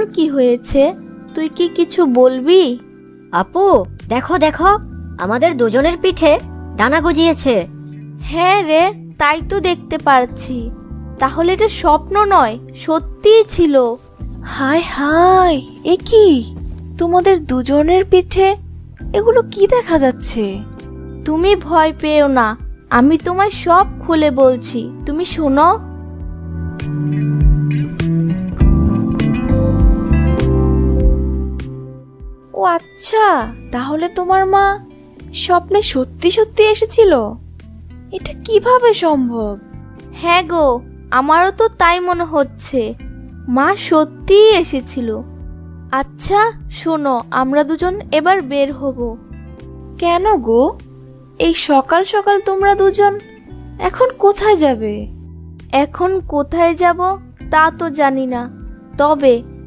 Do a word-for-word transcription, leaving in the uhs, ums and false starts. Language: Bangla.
তোর কি হয়েছে? তুই কি কিছু বলবি? আপু, দেখো দেখো, আমাদের দুজনের পিঠে ডানা গজিয়েছে। হ্যাঁ রে, তাই তো দেখতে পারছি। তাহলে এটা স্বপ্ন নয়, সত্যিই ছিল। হায় হায়, এ কি? তোমাদের দুজনের পিঠে এগুলো কি দেখা যাচ্ছে? তুমি ভয় পেও না, আমি তোমায় সব খুলে বলছি, তুমি শোনো। ও আচ্ছা, তাহলে তোমার মা স্বপ্নে সত্যি সত্যি এসেছিল? এটা কিভাবে সম্ভব? হ্যাঁ গো, আমারও তো তাই মনে হচ্ছে। মা সত্যিই এসেছিল। আচ্ছা শোনো, আমরা দুজন এবার বের হব। কেন গো, এই সকাল সকাল তোমরা দুজন এখন কোথায় যাবে? এখন কোথায় যাব তা তো জানি না, তবে